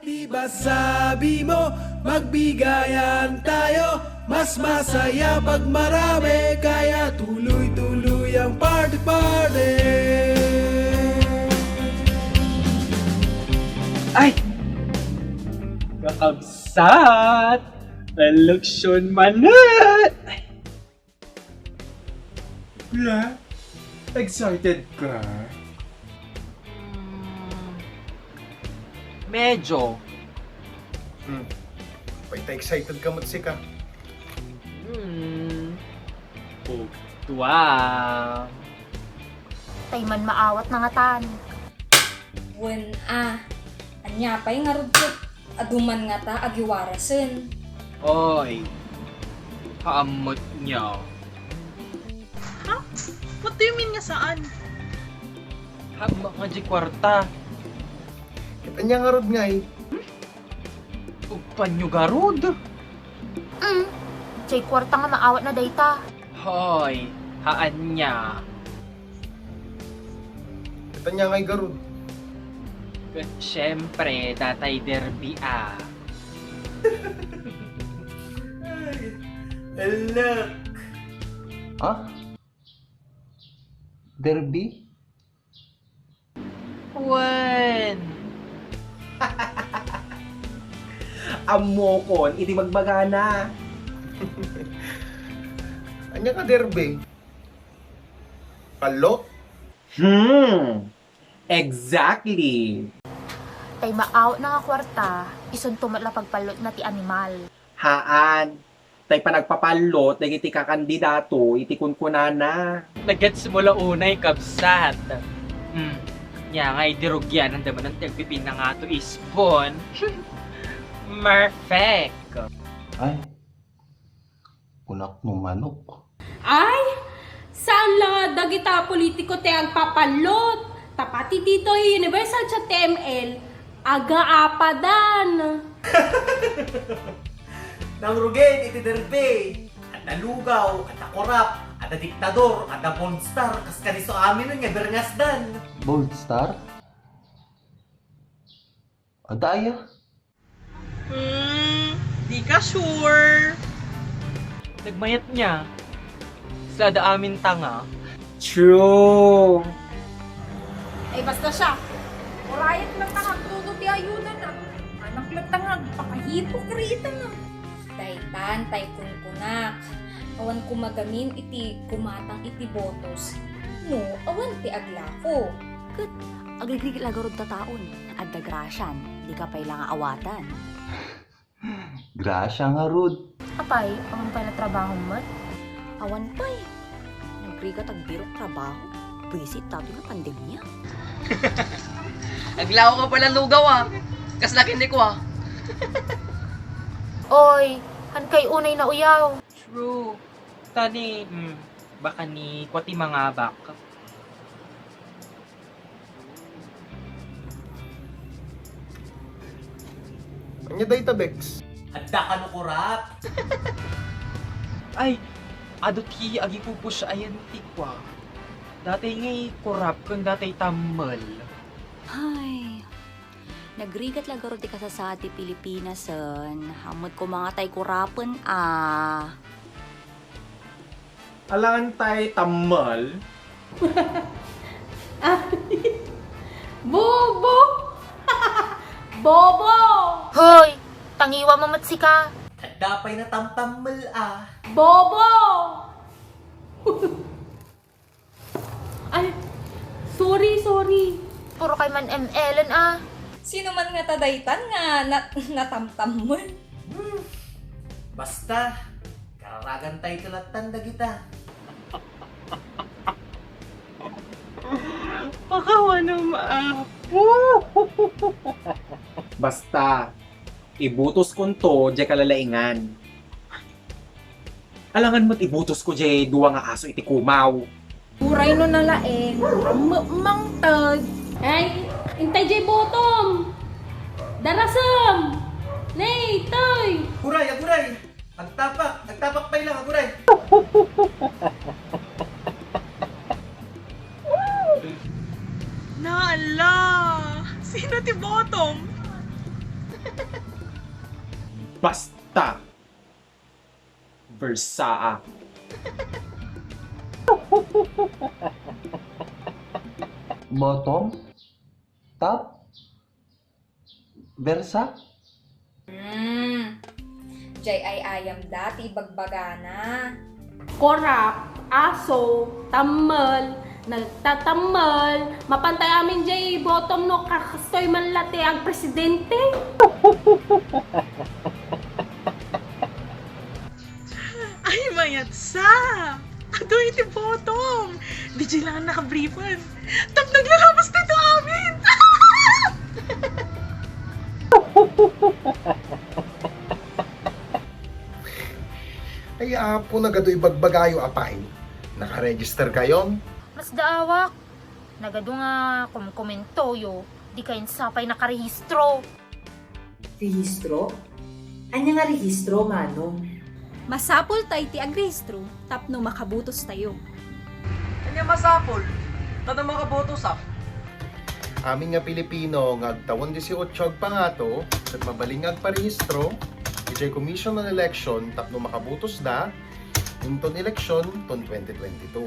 Di ba sabi mo, magbigayan tayo? Mas masaya pag marami, kaya tuloy-tuloy ang party-party. Ay! Kakabsat! Reluksyon manat! Ay! Kuya, excited ka? Medyo. Paita excited ka matsika. Tuwa. Tay man maawat na nga tan. Wen anya pa'y nga rugkot, aduman nga ta agiwarasen. Oy. Kaamot niya. Ha? What do you mean nga saan? Hama nga di kwarta. Kanya nga rod nga eh. Upan nyo garod. Chay kwarta nga maawat na dayta. Hoy. Haan niya. Kanya nga garod. Siyempre, Tatay Derby Look! Ha? Derby? Wen. Amokon, iti magbagana. Anya ka derbe? Palo? Exactly. Tay maawat na nga kwarta, ison tumatla pagpalot na ti animal. Haan. Tay pa nagpapalot, iti kakandidato, iti kunkunana. Nagets mo la unay kabsat. Nya nga idirugyan ang daman ng tagpipin na nga to ispon. Perfect. Ay, punak no manok. Ay, saan lang dagita politiko te agpapalot? Tapati dito Universal sa TML, aga-apadan. Nang rugen iti derbe at nalugaw at nakorap at na diktador at na pornstar kas kaniso amin nun nga berngasdan. Bold Star? Adaya? Di ka sure. Nagmayat niya. Sa amin tanga. True. Ay basta siya. Orayat lang tangag tuto ti ayuda na. Anak lang tangag, pakahipokrita na. Daytan, tay kunkunak. Awan kumagamin iti kumatang iti botos. No, awan ti aglako. Agliglig lagarod ta taon. Adda grasyan, di ka pailang awatan. Grasya nga rod. Apay, aman pa na trabaho mat. Awan pa'y. Nagrigat agbirok trabaho. Visit tato nga pandemya. Aglaw ka pala lugaw Kaslakin di ko Oy, han kay unay na uyaw. True. Tani, baka ni kwati mga bak. Anya day tabex? Adda ka no kurap. Ay, adot ki agi pupush ayan tikwa. Dati ngay kurap kung dati tamal. Ay, nagrigat lagarod di ka sa ti Pilipinas hamot ko mga tay kurapan Alangan tay tamal. Bobo! Bobo! Hoy, tangiwa mamatsika. Adda pa'y natamtamal Bobo! Ay, sorry. Puro kay man MLan Sino man nga tadaytan nga natamtam mo? Basta, kararagan tayo tulatan da kita. Pakawa na maapo. Basta, ibutos kon to, di kalalaingan. Alangan mo't ibutos ko di duwa nga aso iti kumaw. Uray no nalaeng, mangtag. Ay, intay jay bottom. Darasam. Nay, toy. Aguray! Agtapak pa ilang, aguray! Naala! Sino ti Bottom? Basta! Versaa. Bottom? Top? Versa? Jay ay ayam dati bagbagana. Korap, aso, tamal, nagtatamal, mapantay amin jay bottom no kakastoy man late ang presidente. Ay, mayat sa! Ato iti bottom! Di dyan lang ang nakabriefan. Tap naglalabas dito amin! Ay, apo na gado'y bagbagayo apay. Nakaregister kayon? Mas daawak. Nagado nga komento yo. Di kayo sapay nakarehistro. Rehistro? Anya nga rehistro, manong? Masapol tayo ti agrehistro, tapno makabutos tayo. Kanya masapol. Kada makaboto sa. Amin nga Pilipino, ngagtawon 18 ag pangato, at mabaling agparehistro, ijay Commission on Election, tapno makabutos da, inton election, ton 2022.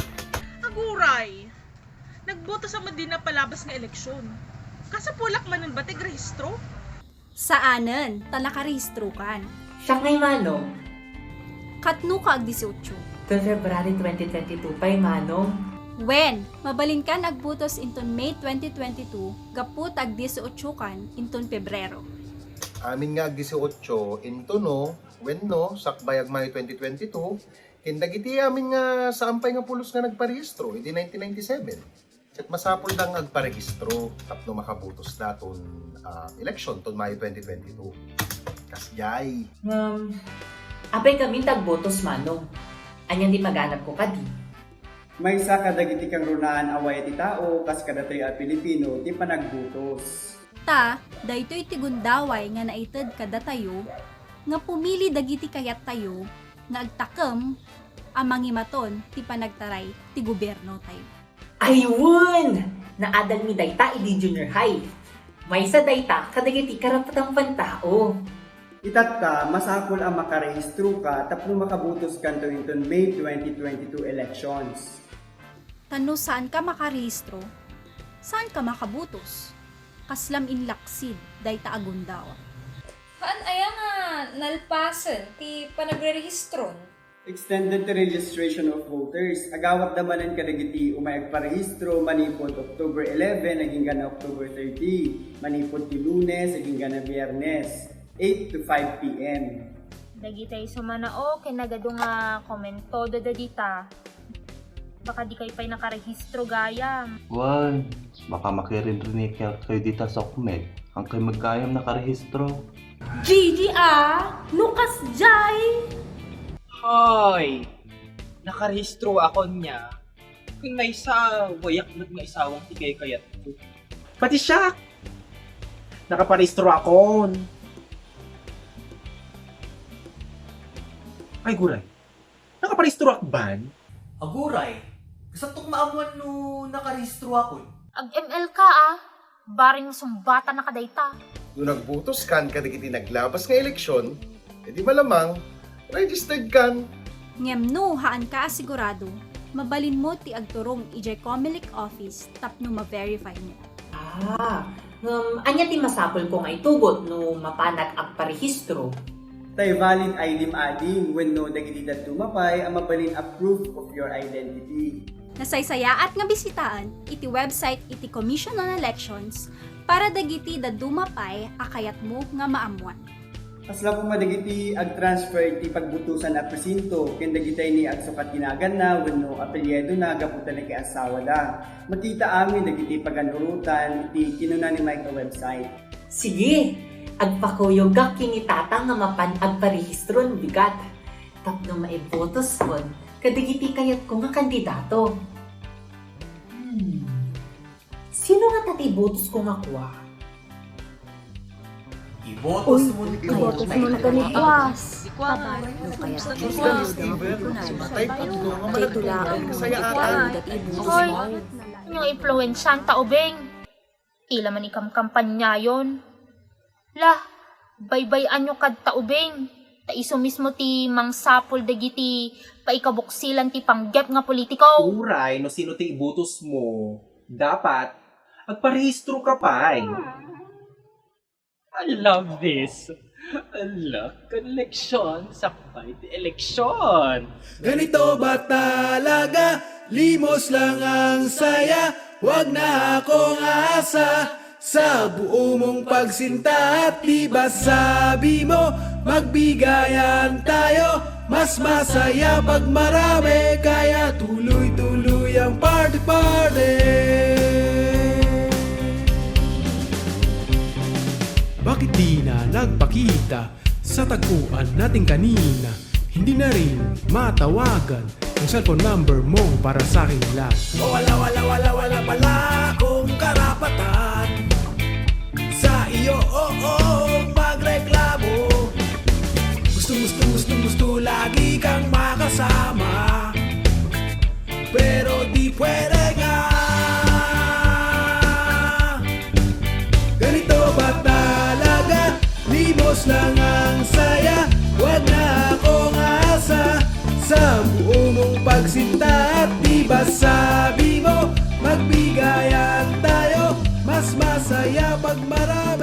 Aguray! Nagboto sa Medina palabas nga eleksyon. Kasi pulak manon ba tigrehistro? Saanen, talakarehistro kan. Siya ngay, manong? Katno ka ag 18. Till February 2022 pa'y, manong? When, mabalin kan agbutos inton May 2022, gaput ag 18 kan inton Pebrero. Amin nga 18, into no, when no, sakbayag Mayo 2022, kindagiti amin nga saampay nga pulos nga nagparehistro, hindi 1997. At masapol lang agparehistro, tapno makabutos na ton election, ton Mayo 2022. Kasjay. Apay kami tagbotos, manong. Anyan di maganap ko kadi. May sa kadagiti kang runaan away ti tao, kas kadatoy a Pilipino, ti panagbutos. Ta, daytoy ti gundaway nga naited kada tayo, nga pumili dagiti kayat tayo, nga agtakem, amangimaton ti panagtaray ti gobyerno tayo. Ayun! Naadal mi dayta idi junior high. May sa dayta kadagiti karapatang pantao. Itat ka, masakol ang makarehistro ka, tapno makabutos kanto inton May 2022 elections. Tano saan ka makarehistro? Saan ka makabutos? Kaslam in laksid, dayta agundawa. Haan aya nga nalpasan ti panagre-rehistron. Extended to registration of voters. Agawat namanan kadagiti umay agparehistro manipod October 11 naging gana October 30. Manipod ti Lunes naging gana Biyernes 8 to 5 p.m. Dagitay sumanao, kinagado nga komento dita. Baka di kayo pa'y nakarehistro gaya. Why? Baka makirinrinig kayo dito sa kumed. Ang kayo magkayam nakarehistro. Gigi Lucas Jai! Hoy! Nakarehistro ako niya. Kung may isa, wayak na nga isawang tigay kayat ko. Pati siya! Nakaparehistro ako. Ay, guray. Nakaparehistro akban? Aguray, gusto tong maamuan no nakarehistro ako. Ag-ML ka Baring sumbata na kadayta. Nung nagbutos kan kadagiti naglabas nga eleksyon, edi malamang, registered kan. Ngem haan ka asigurado, mabalin mo ti agturong ijay Comelec office tapno ma-verify mo. Anya ti masapol ko nga itugot no mapanag agparehistro. Tay valid ID adding when no dagiti dadto mapay ang mabalin a proof of your identity. Nasaysayaat nga bisitaan iti website iti Commission on Elections para dagiti dadumapay akayat mo nga maamuan. Kasla po madagiti ag-transfer iti pagbutusan a presinto ken dagitay ni agsukat ginagan na wenno apelyedo na gaputan na kay asawa da. Makita amin dagiti paganurutan iti kinuna ni Mike website. Sige, agpakuyog ka kinitata nga mapan agparehistro ng bigat. Tapno maibotos kon, kadagiti kayat ko nga kandidato. Sino nga tati botos ko nga kuha? Ibotos mo Ibotos mo na ganitwas. Hoy, yung influensyanta ubeng. Ila man ikam kampanya yon. Lah, baybayan nyo kad taubeng. Ta iso mismo ti mangsapol dagiti paikabuksilan ti panggep nga politiko. Uray, no sino ti ibutos mo, dapat agparehistro ka pa'y. I love this. I love connection sa fight election. Ganito ba talaga? Limos lang ang saya. Wag na akong asa sa buo mong pagsinta. At di ba sabi mo, magbigayan tayo. Mas masaya pag marami, kaya tuloy-tuloy ang party-party. Bakit di na nagpakita sa tagpuan natin kanina? Hindi na rin matawagan yung cellphone number mo para sa akin lang. O wala pala akong karapatan sa iyo, magreklamo. Gusto lagi kang makasama, pero di pwede nga. Ganito ba talaga? Limos lang ang saya. Wag na akong asa sa buo mong pagsinta. At di ba sabi mo, magbigayan tayo. Mas masaya pag marami.